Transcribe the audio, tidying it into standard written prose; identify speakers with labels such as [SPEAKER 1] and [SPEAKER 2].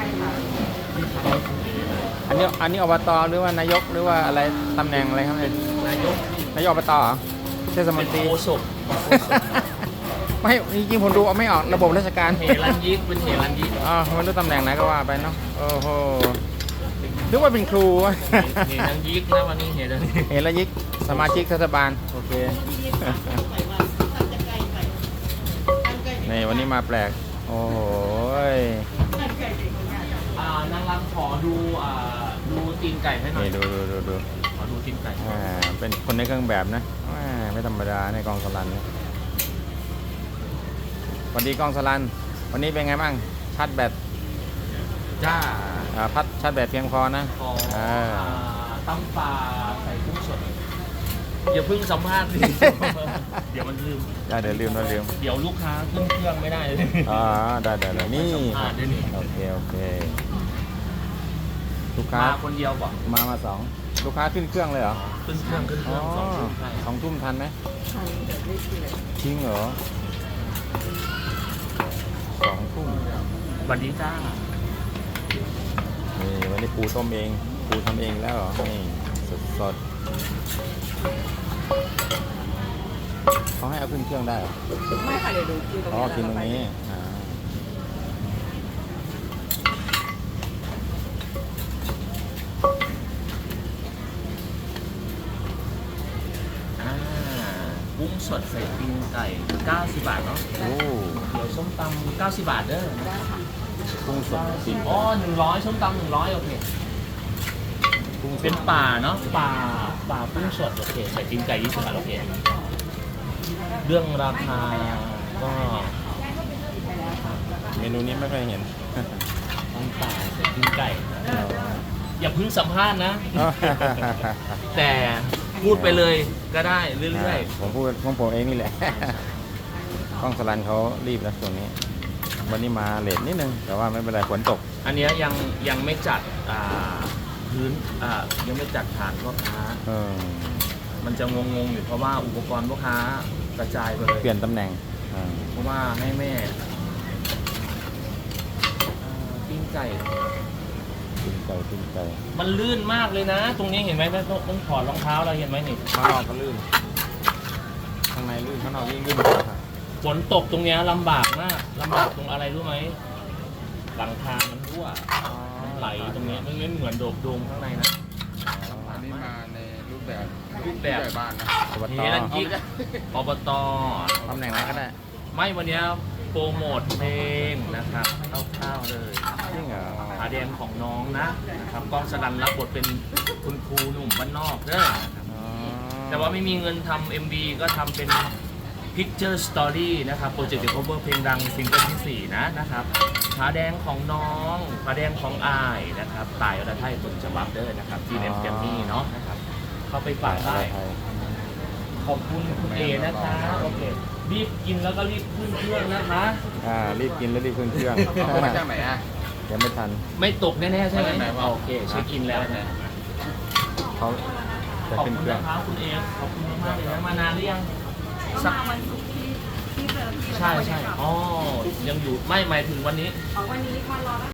[SPEAKER 1] ค่ะ
[SPEAKER 2] อันนี้อบตหรือว่านายกหรือว่าอะไรตำแหน่งอะไรครับเนี่ย
[SPEAKER 3] นายก
[SPEAKER 2] นายกอบตเหรอเทศม
[SPEAKER 3] เป็น น
[SPEAKER 2] ตรี
[SPEAKER 3] โฆษก
[SPEAKER 2] ไม่จริงๆผมดูเอาไม่ออกระบบราชการ
[SPEAKER 3] เฮรันยิกเป็นเฮรันยิก
[SPEAKER 2] อ๋อไม่รู้ตำแหน่งไหนก็ว่าไปเนาะโอ้โหนึกว่าเป็นครูวะ
[SPEAKER 3] เฮรันยิกนะวันนี้เฮรันยิก
[SPEAKER 2] เห็นแล้วยิกสมาชิกเทศบาลโอเค นี่วันนี้มาแปลกโอ้โหย
[SPEAKER 3] นางรำขอดูดูตีนไก่ให้หน่อย
[SPEAKER 2] นี่ดู
[SPEAKER 3] ขอดูตีนไก่
[SPEAKER 2] เป็นคนในเครื่องแบบนะไม่ธรรมดาในกองสลันเนี่ยสวัสดีกองสลันวันนี้เป็นไงบ้างชาร์จแบต
[SPEAKER 3] จ้า
[SPEAKER 2] พัดชาร์จแบตเพียงพอนะ
[SPEAKER 3] ขอตำปลาใส่กุ้งสดอย่าเพิ่งสัมภาษณ์สิ เดี๋ยวมันลืม
[SPEAKER 2] ได้เดี๋ยวลืม
[SPEAKER 3] เดี๋ยวลูกค้าขึ้นเครื่องไม่ได้เลย
[SPEAKER 2] อ๋อได้นี่
[SPEAKER 3] สัมภาษณ์ด้วยนี่
[SPEAKER 2] โอเคลูกค้า
[SPEAKER 3] มาคนเดียวก่อน
[SPEAKER 2] มาสองลูกค้าขึ้นเครื่องเลยเหรอ
[SPEAKER 3] ขึ้นเครื่อง
[SPEAKER 2] อ๋อ
[SPEAKER 3] 2 ทุ่มใช่
[SPEAKER 2] 2 ทุ่มทันไหม
[SPEAKER 1] ทันแบบไม่เสีย
[SPEAKER 2] จริงเหรอ2 ทุ่ม
[SPEAKER 3] สวัสดีจ้า
[SPEAKER 2] นี่วันนี้ปูต้มเองปูทำเองแล้วเหรอนี่สดเขาให้เอาขึ้นเครื่องได้เหรอ
[SPEAKER 1] ไม่ค่ะเดี๋ยวดูกินตรง
[SPEAKER 2] อ๋อ
[SPEAKER 1] นี้
[SPEAKER 2] กินตรงนี้
[SPEAKER 3] กุ้งสดใส่ตีนไก่90 บาทเนาะ
[SPEAKER 2] โอ้
[SPEAKER 3] เดี๋ยวส้มตำ90 บาทเด้อ
[SPEAKER 1] ได้ค่ะ
[SPEAKER 2] กุ้งสดจริง
[SPEAKER 3] อ๋อ100ส้มตำ100โอเค
[SPEAKER 2] กุ้งส
[SPEAKER 3] เป็
[SPEAKER 2] ด
[SPEAKER 3] นป่าเนาะป่ากุ้งสดโอเคใส่ตีนไก่20 บาทโอเคเรื่องราคาก็
[SPEAKER 2] เมนูนี้ไม่เคยเห็น
[SPEAKER 3] ต้องป่าใส่ตีนไก่อย่าเพิ่งสัมภาษณ์นะ แต่พูดไปเลยก็ได้เรื่อย
[SPEAKER 2] ผมพูดของผมเองนี่แหละ กล้องสลันเขารีบนะช่วงนี้ วันนี้มาเลทนิดนึง แต่ว่าไม่เป็นไรฝนตก
[SPEAKER 3] ๆ อันเนี้ยยังไม่จัดพื้นยังไม่จัดฐานพ่อค้า
[SPEAKER 2] เออ
[SPEAKER 3] มันจะงงๆอยู่เพราะว่าอุปกรณ์พ่อค้ากระจายไปเลย
[SPEAKER 2] เปลี่ยนตำแหน่งอ่า
[SPEAKER 3] เพราะว่าให้แม่ปิ้งไก่
[SPEAKER 2] ขึ้นไก่
[SPEAKER 3] มันลื่นมากเลยนะ ตรงนี้เห็นไหมต้องถอดรองเท้าเราเห็นไหมนี่
[SPEAKER 2] ข้างนอกก็ลื่น ข้างในลื่น ข้างนอกยิ่งลื่นกว่าครับ
[SPEAKER 3] ฝนตกตรงเนี้ยลำบากมากลำบากตรงอะไรรู้ไหมหลังคามันรั่วมันไหลตรงเนี้ยมันเหมือนโดมข้างในนะ
[SPEAKER 4] อันนี้มาในรูปแบบ
[SPEAKER 3] รูปแบบ
[SPEAKER 4] ผู้ใหญ่บ้านนะ
[SPEAKER 2] อบต
[SPEAKER 3] เฮลันยิกอบต
[SPEAKER 2] ตำแหน่งไหนก็ได้
[SPEAKER 3] ไม่วันเนี้ยโปรโมทเพลงนะครับคร่าวๆเลย
[SPEAKER 2] จริงเหรอ
[SPEAKER 3] ขาแดงของน้องนะครับกล้องสลันรับบทเป็นคุณครูหนุ่มบ้านนอกเด้อนะครับ
[SPEAKER 2] อ๋อ
[SPEAKER 3] แต่ว่าไม่มีเงินทำ MV ก็ทำเป็น Picture Story นะครับโปรเจกต์เด cover เพลงดังซิงเกิลที่4นะครับขาแดงของน้องขาแดงของอายนะครับตายอรไทยต้นฉบับเด้อนะครับจีเอ็มแกมมี่เนาะนะครับเข้าไปฝากได้ ขอบคุณคุณเอนะคะโอเครีบกินแล้วก็รีบขึ้นเครื่องนะคะ
[SPEAKER 2] รีบกินแล้วรีบขึ้นเครื่อง
[SPEAKER 4] เอามาจากไหนอ่ะ
[SPEAKER 2] ยังไม่ทัน
[SPEAKER 3] ไม่ตกแน่ๆใช่ไหม
[SPEAKER 4] ไม่ตก
[SPEAKER 3] โอเคเช็คอินแล้วนะ
[SPEAKER 2] เขาจะ
[SPEAKER 3] ขอบ
[SPEAKER 2] ขึ้น
[SPEAKER 3] คุณ
[SPEAKER 2] เครื่อง
[SPEAKER 3] นะครับคุณเอขอบคุณมากๆเลยนะมานานหรือยังสัก
[SPEAKER 1] มาวันศุกร์ที่เจอพี่
[SPEAKER 3] ใช่อ๋อยังอยู่ไม่หมายถึงวันนี้
[SPEAKER 1] วันนี้มารอ